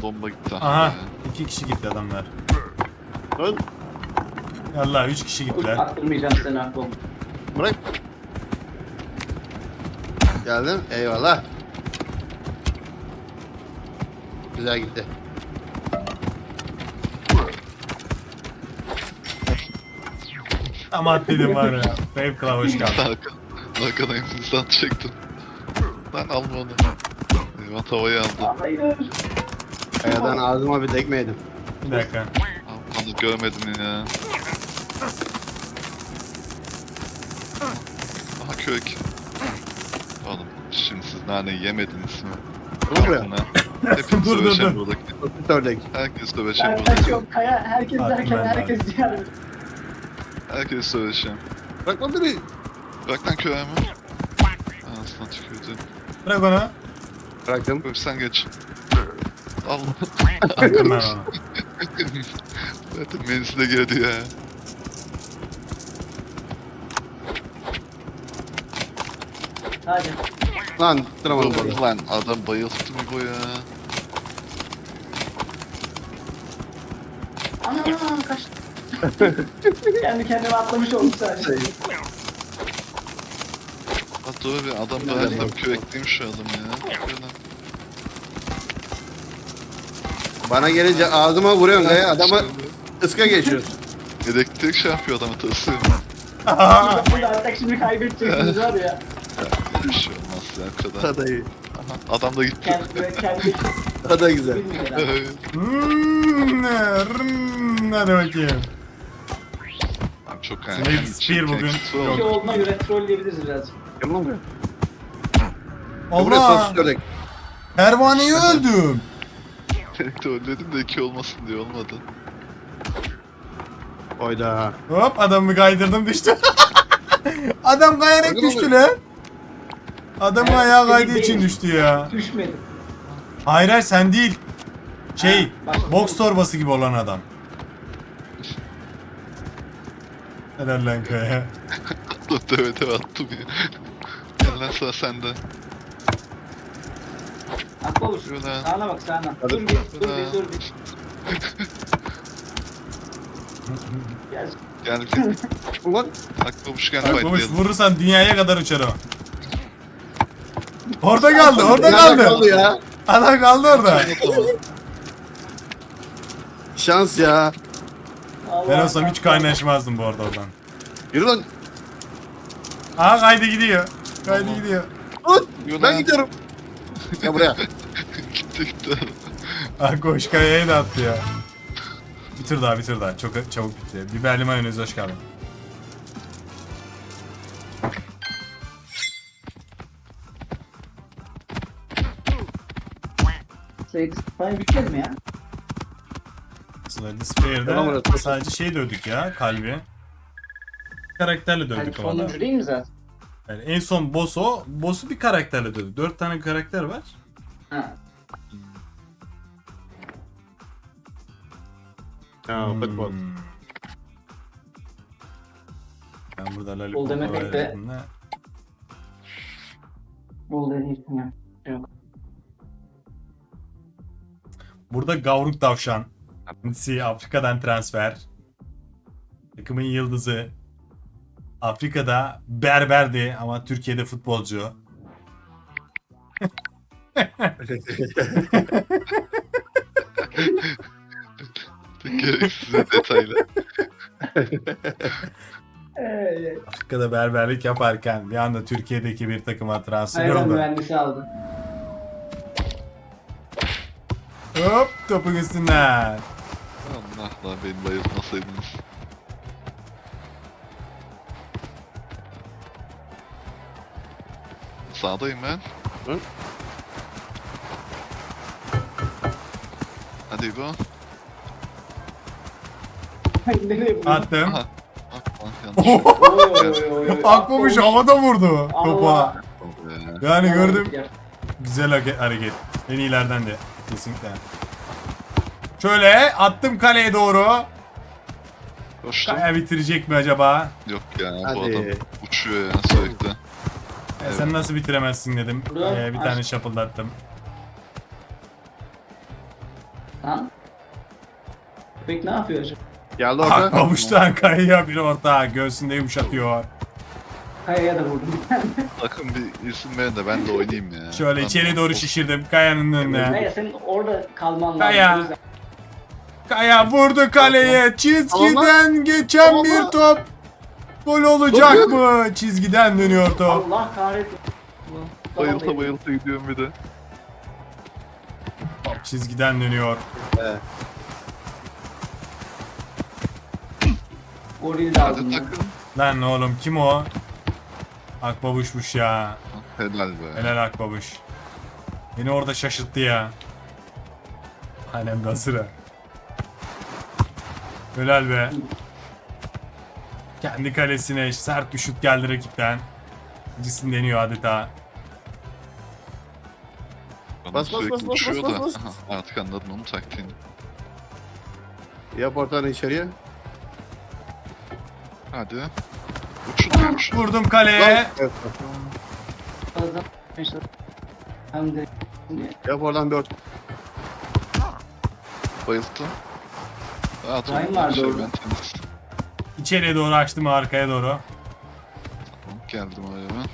bomba gitti. Aha 2 kişi gitti adamlar. Lan Yallah 3 kişi gittiler. Attırmayacağım seni aklım. bırak. Geldim. Eyvallah. Güzel gitti. Ama dedim var ya. Wave Club hoş geldin. Arkadan Hindistan çektim. Ben alma onu. Eyvah tavayı aldı. Hayır. Kayadan ağzıma bir tekme yedim. Bir dakika. Onu görmedim ya. Aha kök. Oğlum şimdi siz nane yemediniz mi? Dur buraya. Altına. Hepiniz Dur, dur, dövüşen dur. buradaki. Basit ördek. Herkes dövüşen Ben buradaki. kaçıyorum. Kaya herkes Attım derken ben de. herkes diğer. Herkes dövüşen. Bırak lan beni. Bırak lan köye mi? Anasından tükürdü. Bırak onu. Bıraktım. Öp sen geç. Allah. Attım ben onu. Zaten menzile girdi ya. Hadi. Lan tutturamadım Dur bunu. lan adam bayılttı mı bu ya? Ana kaçtı. Kendi kendime atlamış oldum sadece. Ha dur bir adam da her tam körekliymiş şu adam ya. Şöyle. Bana gelince ağzıma vuruyorsun kaya. Adama ıska geçiyorsun. Elektrik şey yapıyor adamı tırsıyor. Burada artık şimdi kaybedeceksiniz var ya. Bir şey olmaz ya o kadar. Hadi iyi. Aha, adam da gitti. Kendi Hadi güzel. bilmeden. Hadi bakayım. Abi çok Slade Spear bugün İki olduğuna göre trolleyebiliriz birazcık. Gel lan buraya. Buraya Allah! sosis ördek. Pervaneyi öldüm. Tek de ölledim de iki olmasın diye olmadı. Oyda. Hop adamı kaydırdım düştü. Adam kayarak Bakın düştü oluyor. lan. Adamın Evet, ayağı senin kaydığı için değil. düştü ya. Düşmedim. Hayır hayır sen değil. Şey, Ha, başka- boks torbası gibi olan adam. Helal lan kaya. Dur döve döve attım ya. Gel lan sıra sende. Akla olur. Yürü lan. Sağına bak sağına. Hadi. Dur bir. Gel. Gel gel. Ulan. Akbamışken Bak babuş fightlayalım. vurursan dünyaya kadar uçar o. Orada kaldı, orada Nerede kaldı. ya? Adam kaldı orada. Şans ya. Ben olsam hiç kaynaşmazdım bu arada oradan. Yürü lan. Aha kaydı gidiyor. Kaydı gidiyor. Lan. Yürü Ben lan. gidiyorum. Gel buraya. Gitti gitti. Ah koş kayaya da attı ya. Bir tur daha bir tur daha. Çok çabuk bitti. Biberli mayonez hoş geldin. Sayı bitmez mi ya? Slade Tamam, Spear'de orası. sadece şey dövdük ya kalbi. Karakterle Hani dövdük ama da. sonuncu değil mi zaten? Yani en son boss o. Boss'u bir karakterle dövdük. 4 tane karakter var. Ha. Ha futbol. Ben burada Bol Lollipop'a demek de- verdim de. Bol deneyim ya. Yok. Burada Gavruk Tavşan. Kendisi Afrika'dan transfer. Takımın yıldızı. Afrika'da berberdi ama Türkiye'de futbolcu. Gereksiz detaylı. Afrika'da berberlik yaparken bir anda Türkiye'deki bir takıma transfer Hayvan oldu. mühendisi aldı. Hop topun üstünden. Allah lan beni bayıltmasaydınız. Sağdayım ben. Hı? Hadi bu. Nereye vurdu? Attım. Aha. Bak lan yanlış. Oy. Akbamış havada vurdu topa. Allah. Yani gördüm. Gel. Güzel hareket. En iyilerden de. Kesinlikle. Şöyle attım kaleye doğru. Koştum. Kaya bitirecek mi acaba? Yok ya bu Hadi. adam uçuyor ya sürekli. Sen nasıl bitiremezsin dedim. Buradan Bir tane şapıldattım. Köpek ne yapıyor acaba? Geldi orta. Akbabuç'tan kayıyor bir orta. Göğsünde yumuşatıyor. Kayaya da vurdum bir tane. Takım bir isim verin de ben de oynayayım ya. Şöyle Ben içeri de- doğru şişirdim Kaya'nın önüne. Neye senin orada kalman lazım. Kaya. O yüzden- Kaya vurdu kaleye. Çizgiden geçen Tamam. bir top. Gol olacak mı? Çizgiden dönüyor top. Allah kahretsin. Bayılta bayılta gidiyorum bir de. Top çizgiden dönüyor. Evet. Goril de Hadi aldım. ya. takım. Lan oğlum kim o? Akbabuşmuş ya. Helal be. Helal Akbabuş. Beni orada şaşırttı ya. Hanem de hazır. Helal be. Kendi kalesine sert bir şut geldi rakipten. Cisim deniyor adeta. Bana Bas, bas, sürekli bas, bas, uçuyor bas, da. bas. Aha, artık anladın onun taktiğini. Yap ortanı içeriye. Hadi. Uçun. Vurdum kaleye. Evet. Fazla işte. Hem de Yap oradan bir orta. Bayılttım. Rahat ol. Ryan vardı Şey, orada. ben temiz. İçeriye doğru açtım arkaya doğru. Tamam, geldim oraya ben.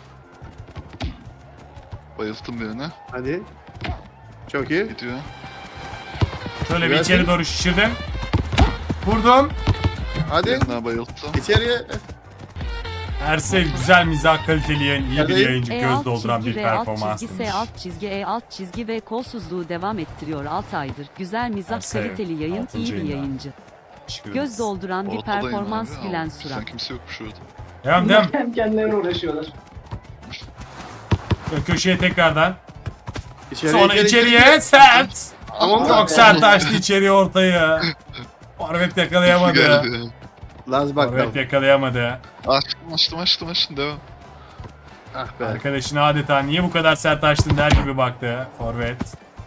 Bayılttım birini. Hadi. Çok iyi. Gidiyor. Şöyle bir Gelsin. içeri doğru şişirdim. Vurdum. Hadi. Birini daha bayılttım. İçeriye. Ersel güzel mizah kaliteli yayın, iyi bir Hadi. yayıncı, E göz alt dolduran çizgi bir V alt performans çizgi demiş. S alt çizgi E alt çizgi ve kolsuzluğu devam ettiriyor 6 aydır. Güzel mizah Ersel, kaliteli yayın, altıncı iyi bir yayında. yayıncı. Teşekkür Göz ederiz. dolduran bir Ortadayım performans abi. gülen Aa, surat. Sen kimse yokmuş orada. Devam bunlar devam. kendi kendilerine uğraşıyorlar. Şöyle köşeye tekrardan. İçeriye. Sonra içeriye sert. Tamam. Çok sert açtı içeriye ortayı. Forvet yakalayamadı. Geldi. Laz Forvet bakalım. yakalayamadı. Açtım devam. Ah be. Arkadaşına adeta niye bu kadar sert açtın der gibi baktı. Forvet.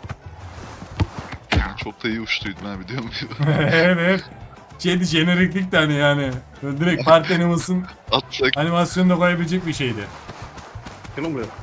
Yani çok da iyi uçtuydum ha biliyor musun? Evet. Şeydi jeneriklik de hani yani. Böyle direkt parti animasının Atsak animasyonunu koyabilecek bir şeydi. Şunu buraya.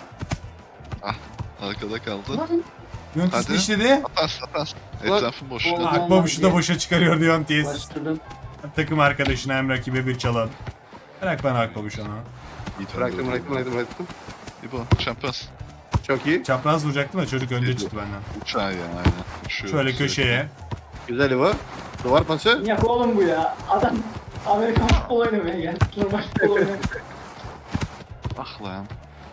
arkada kaldı. Yöntis Hadi. işledi. Atarsın. Ulan- Etrafın boş. Ulan- Hadi. Akbabuş'u da boşa çıkarıyor Yöntis. Başladım. Takım arkadaşına hem rakibe bir çalan. Bırak bana Akbabuş onu. İyi Bıraktım döndü. bıraktım. İbo, Champions. Çok iyi. Çapraz vuracaktım da çocuk önce çıktı benden. Uçağı yani aynen. Uçuyor. Şöyle sürekli. köşeye. Güzel İvo. Duvar pası. Yak oğlum bu ya. Adam Amerikan futbol oynamaya geldi. Normal futbol oynamaya. Ah lan.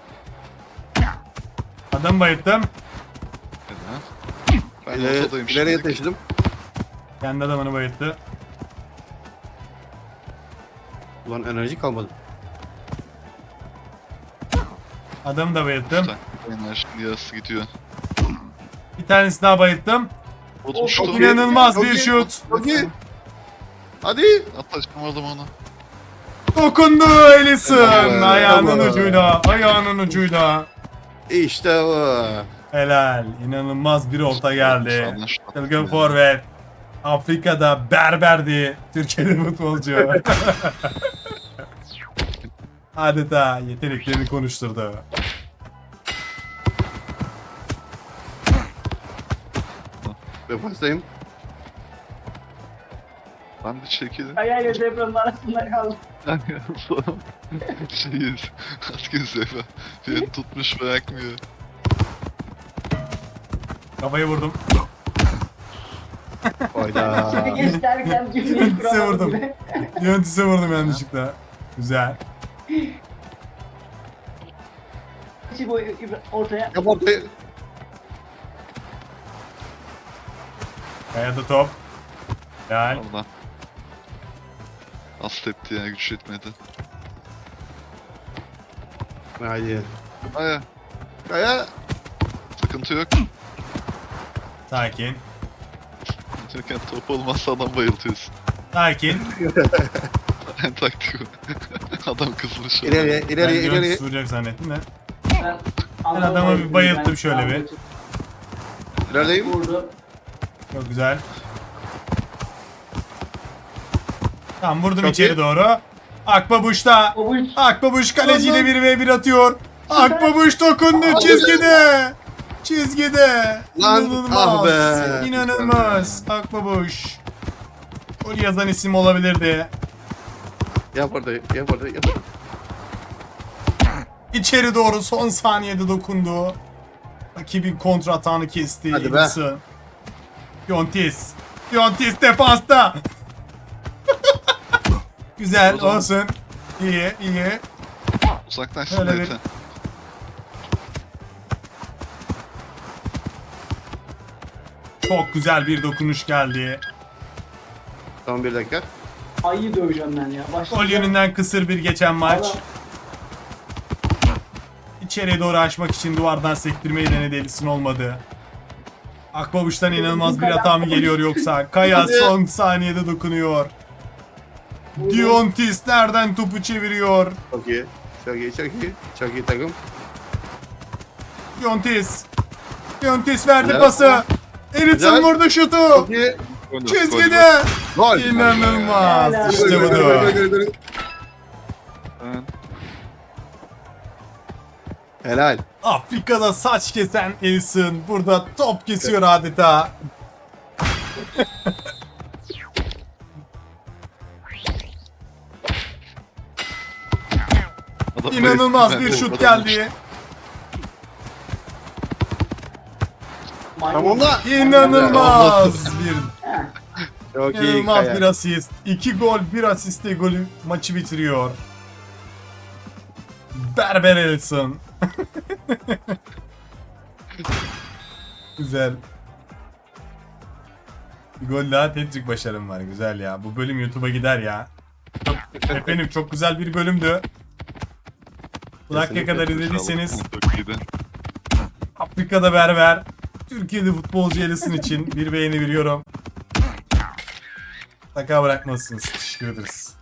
Adam bayılttım. Helal. Ben ortadayım İleriye şimdi. taşıdım. Kendi adamını bayılttı. Ulan enerji kalmadı. Adamı da bayılttım. Enerjinin yarısı gidiyor. Bir tanesini daha bayılttım. Oğlum şu çok topu İnanılmaz Çok bir iyi. şut. Çok iyi. Hadi. atlaşamadım onu. Dokundu Ellison. Evet. Ayağının Evet. ucuyla. Ayağının ucuyla. İşte bu. Helal. İnanılmaz bir orta geldi. Sağdan şut attım Çılgın ya. forvet. Afrika'da berberdi. Türkiye'de futbolcu. Adeta yeteneklerini konuşturdu. Defastayım. Ben de çekildim. Kayayla depremin arasında kaldım. Şeyiz. Atkın sefer. Beni tutmuş bırakmıyor. Kafayı vurdum. Hayda. Seni geç derken cümleyi Size kuramadım vurdum. bile. Yönetise vurdum yanlışlıkla. Güzel. İçi boyu ortaya. Yap ortayı. Kayada top. Helal. Allah. Az tepti ya güç yetmedi. Haydi. Aya. Kaya. Sıkıntı yok. Sakin. Çünkü top olmazsa adam bayıltıyorsun. Sakin. En taktik o. Adam kızmış. İleriye, Ben ileriye, ileriye. Yöntis vuracak zannettim de. Ben adamı bir bayılttım şöyle bir. İlerideyim. Vurdu. Çok güzel. Tamam vurdum Çok içeri iyi. doğru. Akbabuş O bu Akbabuş kaleciyle 1v1 atıyor. Akbabuş dokundu çizgide. Çizgide. Lan, İnanılmaz. ah be. İnanılmaz. Akbabuş. Gol yazan isim olabilirdi. Yap orada, yap orada, yap orada. İçeri doğru son saniyede dokundu. Rakibin kontra atağını kesti. Hadi be. Edison. Fiontis. Fiontis defansta. Güzel O zaman- olsun. İyi iyi. Uzaklaşsın Öyle da bir- yeter. Çok güzel bir dokunuş geldi. Son 1 dakika. Ayı döveceğim ben ya. Gol Başlayacağım. yönünden kısır bir geçen maç. Valla İçeriye doğru açmak için duvardan sektirmeyi denedi, Edison olmadı. Akbabuç'tan inanılmaz bir hata mı geliyor yoksa? Kaya Hadi. son saniyede dokunuyor. Diontis nereden topu çeviriyor? Çok iyi. Çok iyi, çok iyi. Çok iyi takım. Diontis. Diontis verdi Güzel. pası. Edison Güzel. vurdu şutu. Çok iyi. Çizgide. Gol. İnanılmaz. Helal. İşte Gol, gol, budur. gol, gol, gol. Ben Helal. Afrika'da saç kesen Edison burada top kesiyor adeta. adam İnanılmaz bayıldı. bir Ben şut de geldi. maymun. Tamam da. İnanılmaz bir Çok iyi. İnanılmaz Kaya. bir asist. 2 gol, 1 asiste golü maçı bitiriyor. Berber Edison. Güzel. Bir gol daha, hat-trick başarım var. Güzel ya. Bu bölüm YouTube'a gider ya. Efendim çok güzel bir bölümdü. Bu dakika kadar izlediyseniz Çok iyiydi. Afrika'da berber, Türkiye'de futbolcu Edison için bir beğeni veriyorum. Mutlaka bırakmazsınız. Teşekkür ederiz.